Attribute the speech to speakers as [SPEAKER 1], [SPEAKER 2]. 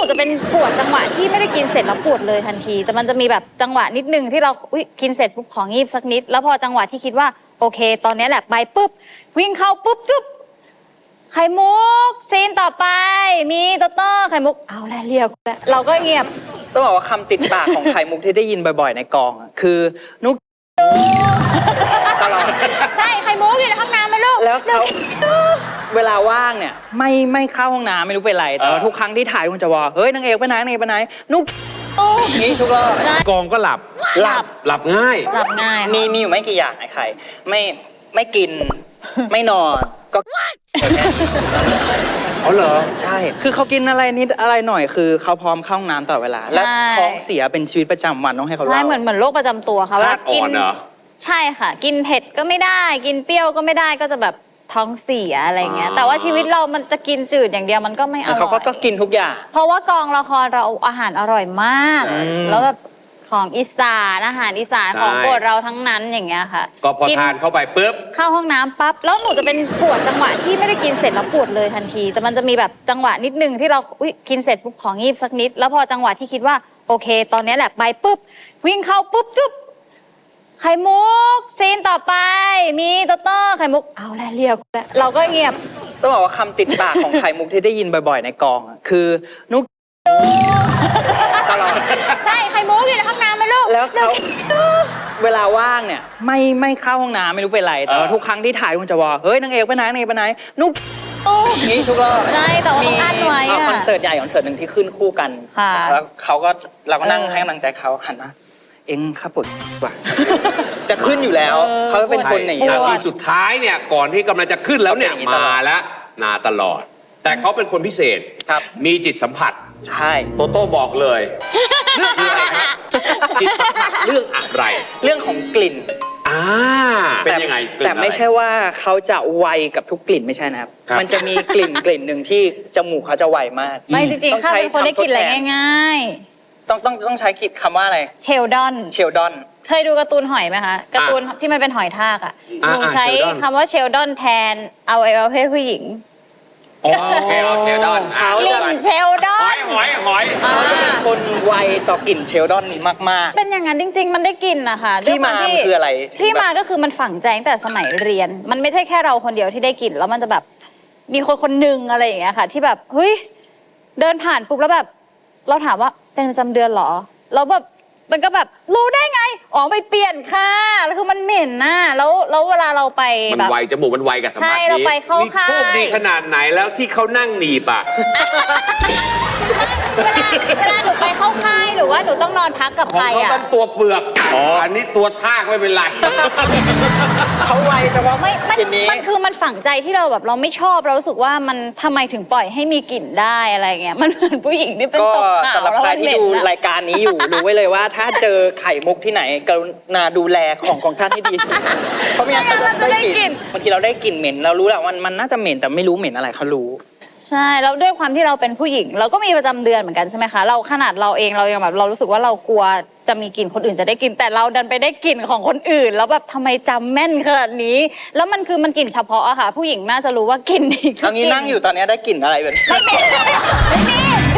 [SPEAKER 1] จะเป็นปวดจังหวะที่ไม่ได้กินเสร็จแล้วปวดเลยทันทีแต่มันจะมีแบบจังหวะนิดนึงที่เรากินเสร็จปุ๊บของีบสักนิดแล้วพอจังหวะที่คิดว่าโอเคตอนนี้แหละไปปุ๊บวิ่งเข้าปุ๊บจุ๊บไข่มุกซีนต่อไปมีโตโต้ไข่มุกเอาแล้วเรียกเราก็เงียบ
[SPEAKER 2] ต้องบอกว่าคำติดปากของไข่มุกที่ได้ยินบ่อยๆในกองคือนุกตลอด
[SPEAKER 1] ใช่ไข่มุกอยู่ในห้องน้ำไหมลูก
[SPEAKER 2] แล้วเขาเวลาว่างเนี่ยไม่เข้าห้องน้ำไม่รู้เป็นไรแต่ทุกครั้งที่ถ่ายคุณจะว่าเฮ้ยนางเอกไปไหนนางเอกไปไหนนุกนี่ทุกรอบ
[SPEAKER 3] กองก็หลับง่าย
[SPEAKER 2] มีอยู่ไม่กี่อย่างไอ้ไข่ไม่กินไม่นอนก็
[SPEAKER 3] อ๋อเหรอ
[SPEAKER 2] ใช่คือเขากินอะไรนิดอะไรหน่อยคือเขาพร้อมเข้าห้องน้ำตลอดเวลาและท้องเสียเป็นชีวิตประจำวันต้องให้เขาเล่า
[SPEAKER 1] ใช่เหมือนโรคประจำตัวค่ะว่ากินใช่ค่ะกินเผ็ดก็ไม่ได้กินเปรี้ยวก็ไม่ได้ก็จะแบบท้องเสียอะไรเงี้ยแต่ว่าชีวิตเรามันจะกินจืดอย่างเดียวมันก็ไม่อร่อย
[SPEAKER 2] เขาก็กินทุกอย่าง
[SPEAKER 1] เพราะว่ากองละครเราอาหารอร่อยมากแล้วแบบของอีสานอาหารอีสานของโปรดเราทั้งนั้นอย่างเงี้ยค่ะ
[SPEAKER 3] ก็พอทานเข้าไปปุ๊บ
[SPEAKER 1] เข้าห้องน้ำปั๊บแล้วหนูจะเป็นปวดจังหวะที่ไม่ได้กินเสร็จแล้วปวดเลยทันทีแต่มันจะมีแบบจังหวะนิดนึงที่เรากินเสร็จปุ๊บของีบสักนิดแล้วพอจังหวะที่คิดว่าโอเคตอนนี้แหละไปปุ๊บวิ่งเข้าปุ๊บจุ๊บไข่มุกซีนต่อไปมีโตโต้ไข่มุกเอาแล้วเรียกเราก็เงียบ
[SPEAKER 2] ต้องบอกว่าคำติดปากของไข่มุกที่ได้ยินบ่อยๆในกองคือนุกตลอด
[SPEAKER 1] ใช่ไข่มุกอยู่ในห้องน้ำไหมลูก
[SPEAKER 2] แล้วเขาเวลาว่างเนี่ยไม่เข้าห้องน้ำไม่รู้เป็นไรแต่ทุกครั้งที่ถ่ายคุณจะว่าเฮ้ยนางเอกไปไหนนางเอกไปไหนนุกนี่ทุกรอบ
[SPEAKER 1] ใช่แต่ว่าต้องอั้นไว้
[SPEAKER 2] คอนเสิร์ตใหญ่คอนเสิร์ตหนึ่งที่ขึ้นคู่กันแล้วเราก็นั่งให้กำลังใจเขาหันมาเอ็งข้าปวดว่ะจะขึ้นอยู่แล้วเขาเป็นคนอย่างนี้
[SPEAKER 3] ที่สุดท้ายเนี่ยก่อนที่กำลังจะขึ้นแล้วเนี่ยมาแล้วมาตลอดแต่เขาเป็นคนพิเศษมีจิตสัมผัส
[SPEAKER 2] ใช่
[SPEAKER 3] โตโต้บอกเลยเรื่องอะไรฮะจิตสัมผัสเรื่องอะไร
[SPEAKER 2] เรื่องของกลิ่น
[SPEAKER 3] เป็นยังไง
[SPEAKER 2] แต่ไม่ใช่ว่าเขาจะไวกับทุกกลิ่นไม่ใช่นะครับมันจะมีกลิ่นหนึ่งที่จมูกเขาจะไวมาก
[SPEAKER 1] ไม่จริงๆข้าเป็นคนได้กลิ่นอะไรง่าย
[SPEAKER 2] ๆต้องใช้คำว่าอะไร
[SPEAKER 1] เชลดอนเคยดูการ์ตูนหอยไหมคะการ์ตูนที่มันเป็นหอยทากอ่ะหนูใช้คำว่าเชลดอนแทนเอาไว้ประเภทผู้หญิง
[SPEAKER 3] โอเคเชลดอน
[SPEAKER 1] กลิ่นเชลดอน
[SPEAKER 3] หอย
[SPEAKER 2] เขาจะเป็นคนไวต่อกลิ่นเชลดอนนี้มาก
[SPEAKER 1] ๆเป็นอย่างนั้นจริงๆมันได้กลิ่นนะคะ
[SPEAKER 2] ที่มาคืออะไร
[SPEAKER 1] ที่มาก็คือมันฝังใจตั้งแต่สมัยเรียนมันไม่ใช่แค่เราคนเดียวที่ได้กลิ่นแล้วมันจะแบบมีคนหนึ่งอะไรอย่างเงี้ยค่ะที่แบบเฮ้ยเดินผ่านปุ๊บแล้วแบบเราถามว่าเป็นประจำเดือนหรอแล้วแบบมันก็แบบรู้ได้ไงอ๋อไปเปลี่ยนค่ะแล้วคือมันเหม็นน่ะแล้วเวลาเราไป
[SPEAKER 3] แบบมันไวจมูกมันไวกับสมาธิ
[SPEAKER 1] ใช่เราไปเข้าค่าย
[SPEAKER 3] นี่โชคดีขนาดไหนแล้วที่เขานั่งหนีบอ่ะ
[SPEAKER 1] เวลาหนูไปเข้าค่ายหรือว่าหนูต้องนอนพักกับใครอ่ะ
[SPEAKER 3] ของเขาเป็นตัวเปลือกอันนี้ตัวทากไม่เป็นไร
[SPEAKER 2] เขาไวเฉพาะ
[SPEAKER 1] กลิ่นนี้มันคือมันฝังใจที่เราแบบเราไม่ชอบเรารู้สึกว่ามันทำไมถึงปล่อยให้มีกลิ่นได้อะไรเงี้ยมันเหมือนผู้หญิงที่เป็นตกขาว
[SPEAKER 2] สำหรับใครที่ดูรายการนี้อยู่รู้ไว้เลยว่าถ้าเจอไข่มุกที่ไหนกรุณาดูแลของท่านให้ดีเพราะไม่งั้นเราจะได้กลิ่นบางทีเราได้กลิ่นเหม็นเรารู้แหละมันน่าจะเหม็นแต่ไม่รู้เหม็นอะไรเขารู้
[SPEAKER 1] ใช่แล้วด้วยความที่เราเป็นผู้หญิงเราก็มีประจำเดือนเหมือนกันใช่ไหมคะเราขนาดเราเองเรายังแบบเรารู้สึกว่าเรากลัวจะมีกลิ่นคนอื่นจะได้กลิ่นแต่เราดันไปได้กลิ่นของคนอื่นแล้วแบบทำไมจำแม่นขนาดนี้แล้วมันคือมันกลิ่นเฉพาะอะค่ะผู้หญิงน่าจะรู้ว่ากลิ่นนี้
[SPEAKER 2] เอางี้นั่งอยู่ตอนนี้ได้กลิ่นอะไรแบบ
[SPEAKER 1] ไม่มี